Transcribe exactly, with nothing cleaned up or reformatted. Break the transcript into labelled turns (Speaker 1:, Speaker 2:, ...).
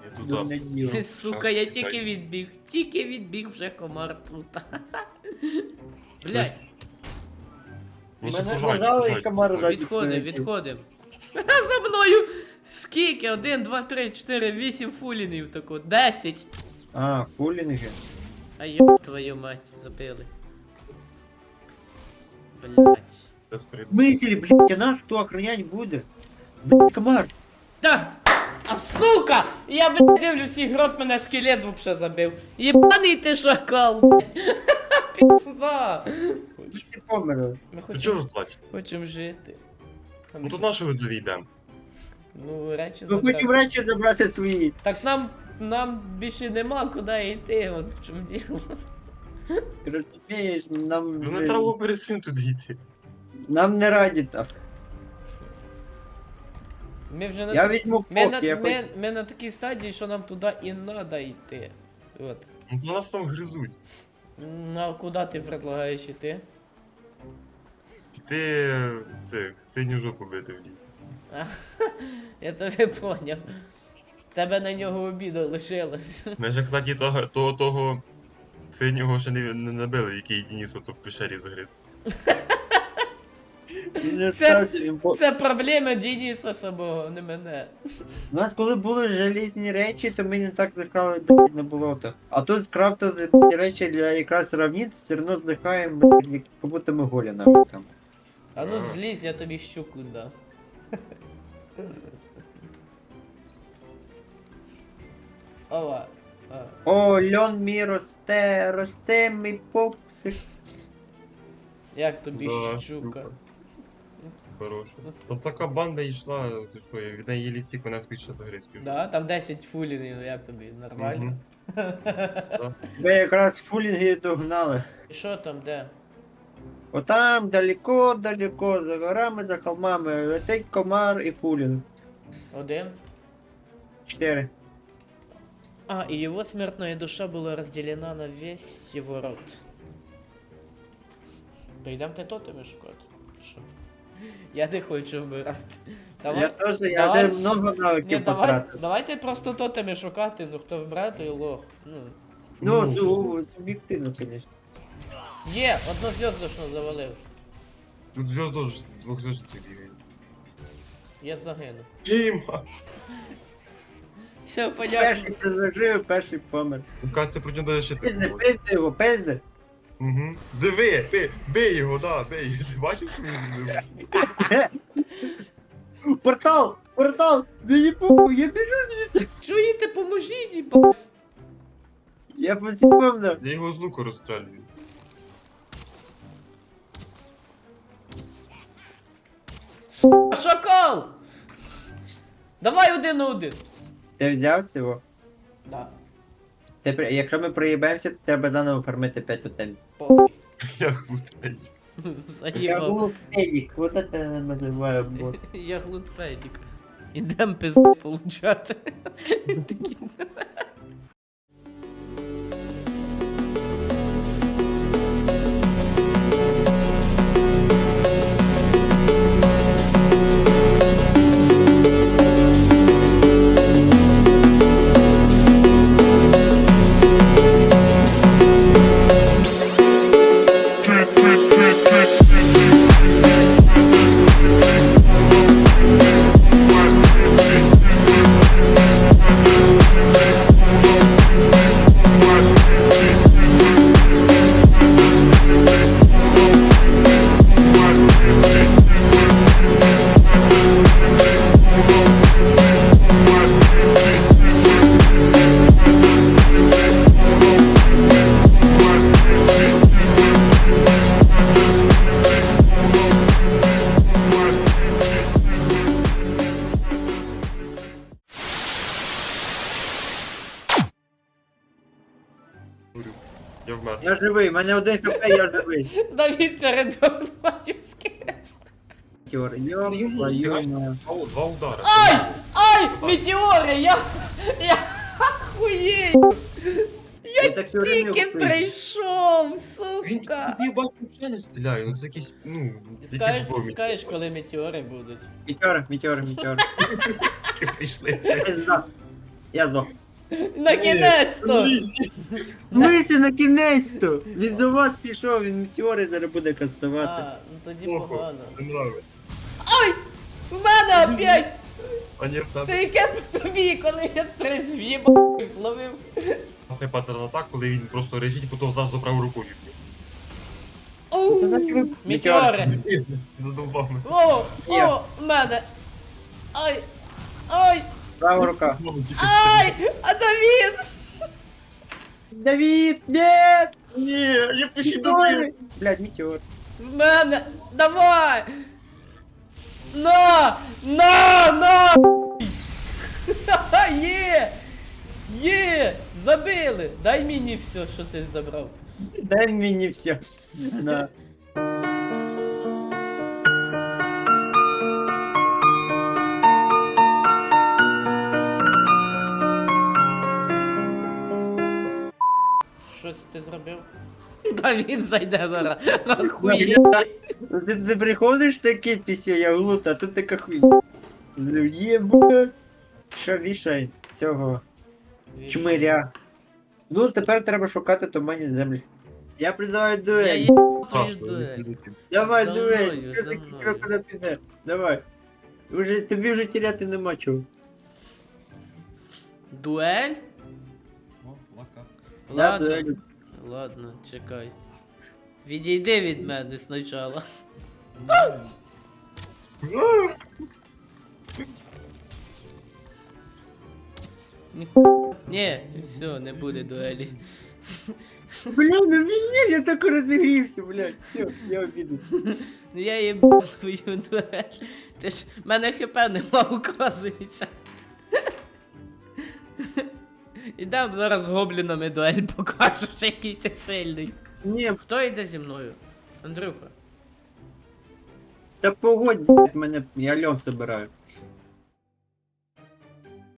Speaker 1: Я тут
Speaker 2: Дурне діло.
Speaker 3: Ти, сука, я тільки відбіг, тільки відбіг вже комар тут. Блядь,
Speaker 1: Ну,
Speaker 2: Мене
Speaker 1: сухожать,
Speaker 2: нажали і
Speaker 1: сухожать.
Speaker 2: комар ззаді
Speaker 3: відходим,
Speaker 2: прилетів.
Speaker 3: відходим. За мною! Скільки? Один, два, три, чотири, вісім фулінів тако. Десять.
Speaker 2: А, фулінги.
Speaker 3: А ёб твою мать, забили. Блять.
Speaker 1: Це сприт.
Speaker 2: В смысле, блядь, а нас хто охранять буде? Блядь, комар.
Speaker 3: Так! А сука! Я, блядь, дивлюсь, ігрок мене скелет вообще забив. Єбаний ти шакал, блядь. Пізда.
Speaker 2: Ти померли.
Speaker 3: Ми
Speaker 1: Ти чого
Speaker 3: хочемо
Speaker 1: ви плачете?
Speaker 3: хочем жити. А
Speaker 1: Ну
Speaker 3: ми-
Speaker 1: то на що ви довійдемо?
Speaker 3: Ну, речі
Speaker 2: Ми хочемо
Speaker 3: забрати.
Speaker 2: речі забрати свої.
Speaker 3: Так нам, нам більше нема куди йти, от в чому діло.
Speaker 2: Розумієш, нам,
Speaker 1: Ну не треба було перед цим туди йти.
Speaker 2: нам не раді так.
Speaker 3: Ми вже на
Speaker 2: Я
Speaker 3: та-
Speaker 2: візьму
Speaker 3: ми,
Speaker 2: фок,
Speaker 3: на,
Speaker 2: я
Speaker 3: ми, ми на такій стадії, що нам туди і треба йти. От.
Speaker 1: Ну то нас там гризуть.
Speaker 3: Ну, а куди ти предлагаєш йти?
Speaker 1: Піти це синю жопу бити в ліс.
Speaker 3: Я тебе поняв. Тебе на нього обіда лишилось.
Speaker 1: Ми ж, кстати, того, того, того синього ще не, не набили, який Дениса то в пещері загриз.
Speaker 2: Він не
Speaker 3: Це-
Speaker 2: стався, він по...
Speaker 3: Це проблема Дениса самого, не мене.
Speaker 2: У нас коли були желізні речі, то ми не так закрали блядь, на болото. А тут скрафтили блядь, речі для якраз равнін, все одно здихаємо, блядь, як будто ми голі нахуй там.
Speaker 3: А ну злізь, я тобі щуку дам. Ова. А.
Speaker 2: О, льон мій росте, росте мій попсик.
Speaker 3: Як тобі
Speaker 1: Да,
Speaker 3: щука?
Speaker 1: Хороша. Там така банда йшла, ти що, я від неї літік, вона хтось ще загриз пів.
Speaker 3: Да, там десять фулінів, ну як тобі, нормально?
Speaker 1: Мгм. Да.
Speaker 2: Ви якраз фулінги догнали.
Speaker 3: І що там, де?
Speaker 2: Отам далеко, далеко, за горами, за холмами, летить комар і фулінг.
Speaker 3: Один?
Speaker 2: Чотири.
Speaker 3: А, и его смертная душа была разделена на весь его род. Прийдем ти тотеми шукати? Що? Я не хочу вмирати. Давай.
Speaker 2: Я теж, я
Speaker 3: давай.
Speaker 2: вже много
Speaker 3: Ні,
Speaker 2: навиків
Speaker 3: давай,
Speaker 2: потратив.
Speaker 3: давайте просто тотеми шукати, ну хто вмре, той лох. Ну.
Speaker 2: Ну, ну, суб'єктивно, звісно.
Speaker 3: Є, однозв'язочно завалив.
Speaker 1: Тут зв'язку ж двохзв'язочних бігає.
Speaker 3: Я загинув.
Speaker 1: Тіма!
Speaker 3: Все, понятно.
Speaker 2: Перший призажив, перший помер.
Speaker 1: Ну це про нього даже ще
Speaker 2: Пизди,
Speaker 1: так.
Speaker 2: пизди його, пизди.
Speaker 1: Угу. Диви, бий, бий його, да, бий. Ти бачив, що він зробив?
Speaker 2: Портал, портал, мені похуй, я біжу звідси.
Speaker 3: Чуєте, поможіть, їбать.
Speaker 2: Я посіпався.
Speaker 1: Я його з луку розстрілюю.
Speaker 3: Шакал! Давай один на один.
Speaker 2: Ти взяв його?
Speaker 3: Да.
Speaker 2: Ти, при- якщо ми проїбаємося, то треба заново фармити п'ять отель.
Speaker 3: Похуй.
Speaker 1: Я глупий.
Speaker 2: Я
Speaker 3: Заїбав.
Speaker 2: був фенік, вот это я називаю бот.
Speaker 3: Я глупедик. Ідем пизди получати. Такі.
Speaker 1: Я вмер.
Speaker 2: Я живий, в мене один хп, я живий.
Speaker 3: Давід передав бачу скес.
Speaker 2: Тьор, йо,
Speaker 1: Йому
Speaker 2: твою
Speaker 1: встигаєш?
Speaker 2: мать.
Speaker 1: Два, два удари.
Speaker 3: Ай! Ай! Метеори! Я... Я охуєю!
Speaker 2: Я так все время
Speaker 3: Тільки
Speaker 2: вбив.
Speaker 3: прийшов,
Speaker 1: Він
Speaker 3: сука!
Speaker 1: тобі бачу взагалі не стріляє, ну це якийсь, ну,
Speaker 3: Скажеш,
Speaker 1: які бомбі
Speaker 3: скажеш, коли метеори будуть.
Speaker 2: Мітьор, мітьор, мітьор.
Speaker 1: прийшли.
Speaker 2: Пизда. Я здох.
Speaker 3: Накінець-то!
Speaker 2: Мисі, на кінець-то! Він за вас пішов, він метеори зараз буде кастувати.
Speaker 3: А, ну тоді
Speaker 1: Плохо,
Speaker 3: погано.
Speaker 1: не нравиться.
Speaker 3: Ой! В мене опять!
Speaker 1: А ні, в тебе
Speaker 3: Це яке по тобі, коли я три звіба зловив.
Speaker 1: класний паттерн атак, коли він просто режить, потім завжди правою рукою.
Speaker 3: Оу!
Speaker 2: Це значить ви-
Speaker 3: Метеори!
Speaker 1: Задовбав мене.
Speaker 3: О,
Speaker 2: Я.
Speaker 3: о, в мене! Ай! Ай!
Speaker 2: Права рука.
Speaker 3: Ай! А Давід!
Speaker 2: Давид, нет!
Speaker 1: Ні, я почти добив.
Speaker 2: Метеори! Блядь, метеор.
Speaker 3: В мене! Давай! На! На! На! Ха-ха, Є! Є! Забили! Дай мені все, що ти забрав.
Speaker 2: Дай мені все. На.
Speaker 3: Щось ти зробив? Давід зайде зараз. Ахуєть.
Speaker 2: Ну, Ти, ти приходиш такий пісю, я глута, а тут така хуйня. Єба. Що вішай цього чмиря. Ну, тепер треба шукати туманні землі. Я призиваю
Speaker 3: Я
Speaker 2: дуель.
Speaker 3: є твою
Speaker 1: Страшно,
Speaker 3: дуель.
Speaker 2: Давай,
Speaker 3: За
Speaker 2: дуель.
Speaker 3: мною,
Speaker 2: Ти
Speaker 3: за
Speaker 2: такий
Speaker 3: мною.
Speaker 2: крок куди піде. Давай. Уже, тобі вже теряти нема чого.
Speaker 3: Дуель?
Speaker 2: Да,
Speaker 3: Ладно.
Speaker 2: дуель.
Speaker 3: Ладно, чекай. Відійди від мене спочатку. Ні, все, не буде дуелі.
Speaker 2: Бля, ну пиздец, я так розігрівся, блядь. Все, я обіду.
Speaker 3: Ну я їбу твою дуель. Ти ж в мене хп нема, указується. Ідем зараз з гоблінами дуель покажеш, який ти сильний.
Speaker 2: Ні,
Speaker 3: Хто йде зі мною? Андрюха.
Speaker 2: та погодь, блядь, мене, я льон собираю.